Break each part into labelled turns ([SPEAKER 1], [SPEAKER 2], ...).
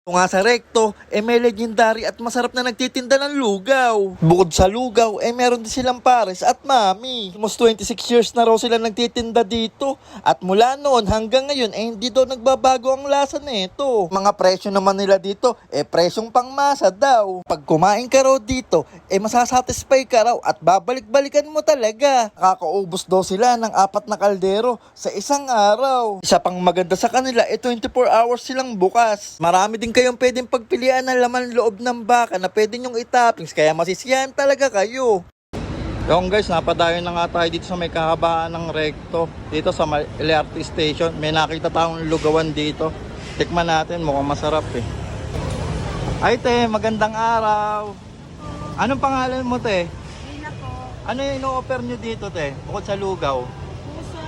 [SPEAKER 1] Ito nga sa Recto, may legendary at masarap na nagtitinda ng lugaw. Bukod sa lugaw, meron din silang pares at mami. Almost 26 years na raw sila nagtitinda dito. At mula noon hanggang ngayon, hindi daw nagbabago ang lasa nito. Mga presyo naman nila dito, presyong pangmasa daw. Pag kumain ka raw dito, masasatisfy ka raw at babalik-balikan mo talaga. Nakakaubos daw sila ng 4 na kaldero sa isang araw. Isa pang maganda sa kanila, 24 hours silang bukas. Marami din kayong pwedeng pagpilian ng laman loob ng baka na pwede nyong itoppings, kaya masisiyahan talaga kayo. Yung guys, napadayon na nga tayo dito sa may kahabaan ng Recto, dito sa LRT station. May nakita tayong lugawan dito. Tikman natin, mukhang masarap Ay te, magandang araw. Anong pangalan mo te?
[SPEAKER 2] Ina po.
[SPEAKER 1] Ano yung ino-offer nyo dito te, bukod sa lugaw?
[SPEAKER 2] Puso,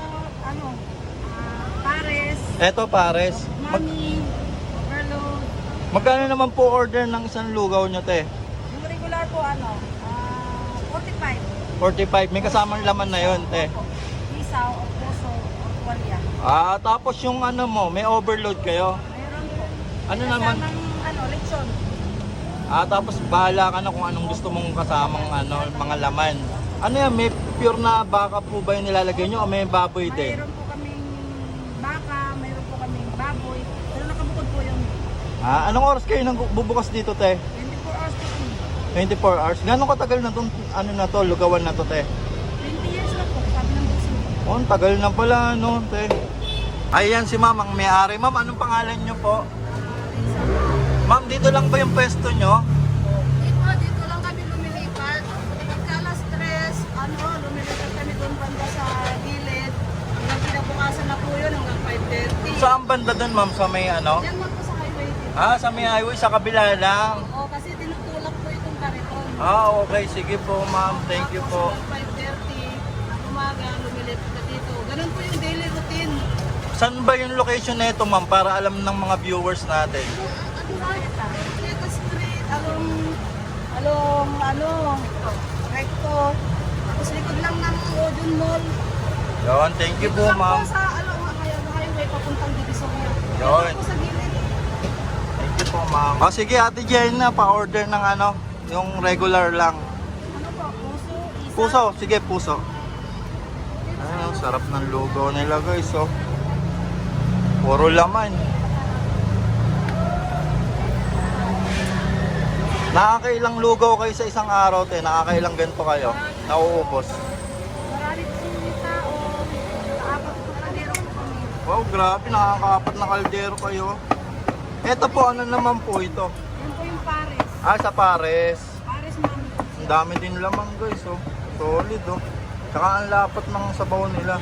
[SPEAKER 2] pares.
[SPEAKER 1] Eto pares.
[SPEAKER 2] Mami, overload.
[SPEAKER 1] Magkano naman po order ng isang lugaw nyo te?
[SPEAKER 2] Yung regular po, 45.
[SPEAKER 1] 45, may kasamang laman na yon te.
[SPEAKER 2] Opo. Isaw, o puso, o tuwalya.
[SPEAKER 1] Tapos yung ano mo, may overload kayo.
[SPEAKER 2] Mayroon po.
[SPEAKER 1] Ano naman?
[SPEAKER 2] Kasamang, lechon.
[SPEAKER 1] Tapos bahala ka na kung anong gusto mong kasamang mga laman. Ano yan, may pure na baka po ba yung nilalagay nyo o may baboy din?
[SPEAKER 2] Mayroon po kaming baka, mayroon po kaming baboy. Pero nakabukod po yung
[SPEAKER 1] Anong oras kayo nang bubukas dito te?
[SPEAKER 2] 24 hours po.
[SPEAKER 1] 24 hours. Gano'ng katagal na tong lugawan na to te?
[SPEAKER 2] 20 years na po, sabi ng puso.
[SPEAKER 1] Oh, ang tagal na pala te. Ayan si ma'am, ang may-ari. Ma'am, anong pangalan nyo po? Ma'am, dito lang ba yung pwesto nyo?
[SPEAKER 2] Dito lang kami lumilipat. Pagka alas 3, lumilipat kami doon banda sa gilid. Hanggang kinabukasan na po yun, hanggang 5:30.
[SPEAKER 1] Saan banda dun ma'am? Sa may
[SPEAKER 2] Yan lang po sa highway dito.
[SPEAKER 1] Sa may highway, sa kabila lang.
[SPEAKER 2] Oo, kasi tinutulak po itong kariton.
[SPEAKER 1] Okay. Sige po ma'am. Thank you po.
[SPEAKER 2] Tapos hanggang 5:30 ng umaga, lumilipat na dito. Ganun po yung daily routine.
[SPEAKER 1] Saan ba yung location nito ma'am? Para alam ng mga viewers natin.
[SPEAKER 2] Ito street, Recto. Tapos likod lang ng Odeon Mall.
[SPEAKER 1] Yon, thank you po
[SPEAKER 2] Dito lang
[SPEAKER 1] ma'am.
[SPEAKER 2] po sa highway papuntang Divisoria.
[SPEAKER 1] Yun.
[SPEAKER 2] Dito po sa gilid.
[SPEAKER 1] Thank you po ma'am. Sige ate Jenna, pa-order ng yung regular lang.
[SPEAKER 2] Ano po? Puso, isa.
[SPEAKER 1] Puso, sige puso. Ang sarap ng lugaw nila guys Puro laman. Nakakailang lugaw kayo sa isang araw te? Nakakailang ganito kayo? Nauubos?
[SPEAKER 2] Marami po yung tao. Apat po kaldero po kami.
[SPEAKER 1] Wow, grabe, nakakaapat na kaldero kayo. Ito po, ano naman po ito?
[SPEAKER 2] Yan po yung pares.
[SPEAKER 1] Sa pares.
[SPEAKER 2] Pares mami.
[SPEAKER 1] Ang dami din laman guys Solid Tsaka ang lapat ng sabaw nila.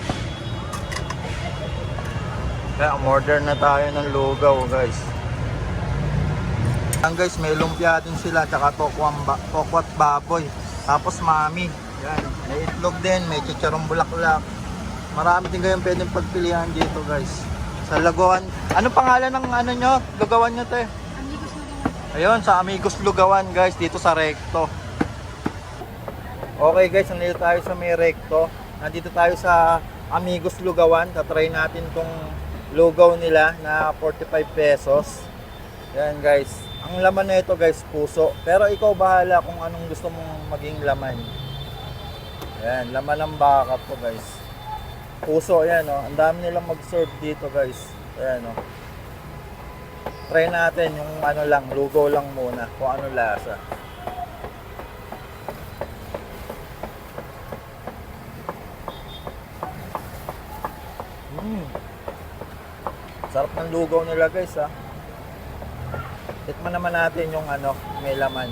[SPEAKER 1] Kaya order na tayo ng lugaw guys. Yan guys, may lumpia din sila, tsaka tokwat baboy. Tapos mami. Yan, may itlog din, may chicharong bulaklak. Marami din kayong pwedeng pagpilihan dito guys. Sa Lagoan. Anong pangalan ng nyo? Lugawan nyo te?
[SPEAKER 2] Amigos na naman.
[SPEAKER 1] Ayun, sa Amigos Lugawan guys, dito sa Recto. Okay guys, nandito tayo sa may Recto. Nandito tayo sa Amigos Lugawan. Tatry natin tong lugaw nila na 45 pesos. Yan guys. Ang laman na ito guys, puso. Pero ikaw bahala kung anong gusto mong maging laman. Yan, laman ng baka po guys. Puso, yan Ang dami nilang mag-serve dito guys. Ayan Try natin yung lugaw lang muna. Kung ano lasa. Sarap ng lugaw nila guys Tikman naman natin yung may laman.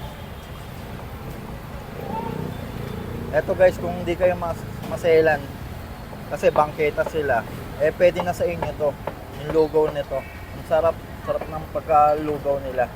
[SPEAKER 1] Eto guys, kung hindi kayo maselan kasi bangketa sila, pwede na sa inyo to, yung lugaw nito. Ang sarap ng pagkalugaw nila.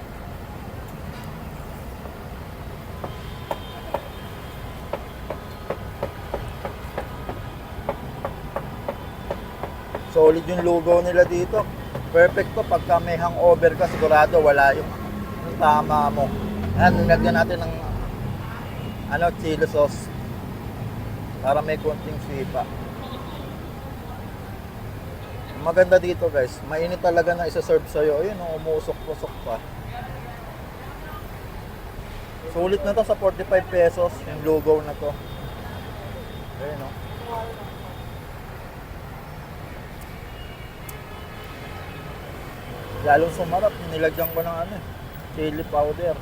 [SPEAKER 1] Solid yung lugaw nila dito. Perfect to pagka may hangover ka, sigurado wala yung tama mo. Nilagyan natin ng chili sauce para may konting sipa. maganda dito guys, mainit talaga na isa-serve sa'yo. Ayun, umuusok-usok pa. Sulit na to sa 45 pesos, yung lugaw na to. Ayun, no? Lalong sumarap, nilagyan ko ng chili powder.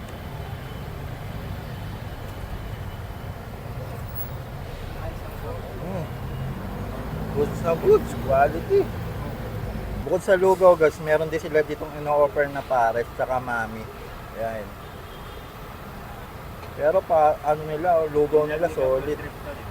[SPEAKER 1] Goods na goods, quality. Bukod sa lugaw guys, meron din sila ditong ino-offer na pares tsaka mami. Ayan. Pero nila, lugaw nila solid.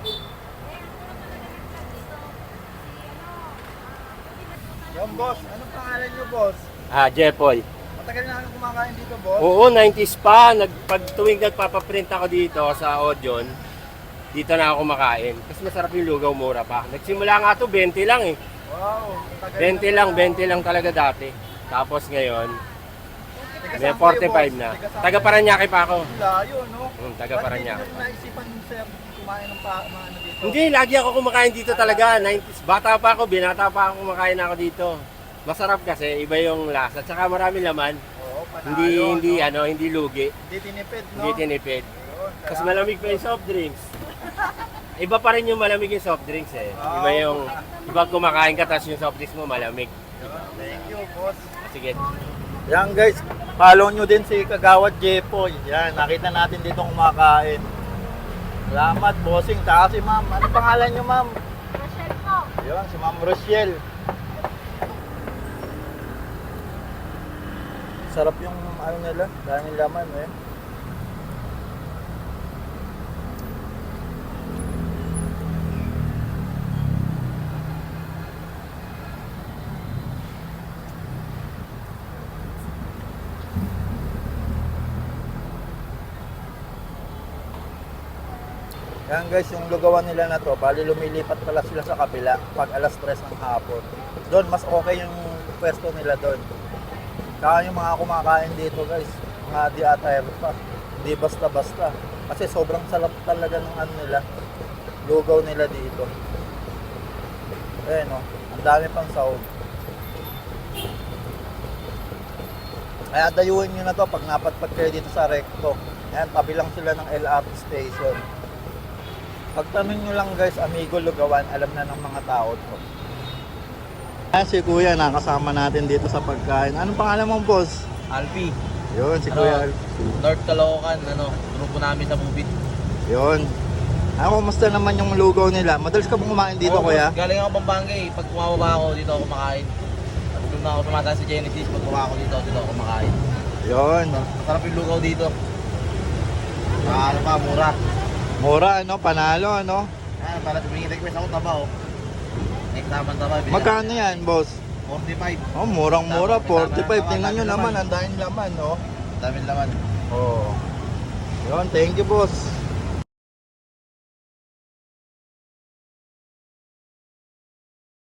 [SPEAKER 1] Yung boss, anong pangalan nyo boss?
[SPEAKER 3] Jepoy.
[SPEAKER 1] Matagal na kang kumakain dito boss?
[SPEAKER 3] Oo, 90s pa. Pag tuwing nagpapaprint ako dito sa Audion, dito na ako kumakain. Kasi masarap yung lugaw, mura pa. Nagsimula nga to 20 lang eh.
[SPEAKER 1] Wow,
[SPEAKER 3] 20 lang talaga dati. Tapos ngayon, may 45 na. Taga Paranaque pa ako.
[SPEAKER 1] Layo, no?
[SPEAKER 3] Taga Paranaque.
[SPEAKER 1] Bakit hindi nyo naisipan sir kumain ng dito?
[SPEAKER 3] Hindi, lagi ako kumakain dito talaga. 90s. Bata pa ako, binata pa ako kumakain ako dito. Masarap kasi, iba yung lasa. Tsaka marami laman.
[SPEAKER 1] Oo, panalo,
[SPEAKER 3] Hindi lugi.
[SPEAKER 1] Hindi tinipid, no?
[SPEAKER 3] Hindi tinipid.
[SPEAKER 1] Yun,
[SPEAKER 3] Kasi malamig pa yung soft drinks. Iba pa rin yung malamig yung soft drinks eh. Iba yung, iba kumakain ka tapos yung soft drinks mo malamig.
[SPEAKER 1] Thank you, boss.
[SPEAKER 3] Sige.
[SPEAKER 1] Yan guys, follow nyo din si Kagawad Jepoy. Yan, nakita natin dito kumakain. Salamat, bossing. Tsaka si ma'am. Ano pangalan nyo, ma'am?
[SPEAKER 2] Rochelle po.
[SPEAKER 1] Yun, si ma'am Rochelle. Sarap yung nila, daming laman eh. Yan guys, yung lugawan nila na to, bali lumilipat pala sila sa kabila pag alas 3 ng hapon. Doon, mas okay yung pwesto nila doon. Kaya yung mga kumakain dito guys, mga di attire pa. Hindi basta-basta. Kasi sobrang sarap talaga ng nila. Lugaw nila dito. Ayan o, ang dami pang sahog. Kaya dayuhin nyo na to pag napatpad kayo dito sa Recto. Ayan, tabi lang sila ng LRT station. Pagtanong nyo lang guys, Amigo Lugawan, alam na ng mga tao to. Ayan si Kuya, nakasama natin dito sa pagkain. Anong pangalan mong boss?
[SPEAKER 4] Alpi,
[SPEAKER 1] Yun, si Kuya.
[SPEAKER 4] North Caloocan, grupo namin sa Bubit.
[SPEAKER 1] Yun. Kumusta naman yung lugaw nila? Madalas ka bang kumain dito, Kuya?
[SPEAKER 4] Galing ako Pampanga eh. Pag bumababa ako, dito ako kumakain. At doon na ako tumataas sa Genesis, pag bumaba ako dito ako kumakain.
[SPEAKER 1] Yun.
[SPEAKER 4] Masarap yung lugaw dito. Ano pa, mura.
[SPEAKER 1] Mura, panalo,
[SPEAKER 4] Para tumingin request ako, taba oh. Next naman taba.
[SPEAKER 1] Magkano yan, boss?
[SPEAKER 4] 45.
[SPEAKER 1] Oh, murang-mura,
[SPEAKER 4] Tama,
[SPEAKER 1] 45.
[SPEAKER 4] tama,
[SPEAKER 1] Tingnan nyo
[SPEAKER 4] tama,
[SPEAKER 1] naman,
[SPEAKER 4] laman.
[SPEAKER 1] ang daming laman,
[SPEAKER 4] Daming laman.
[SPEAKER 1] Oh. Yun, thank you, boss.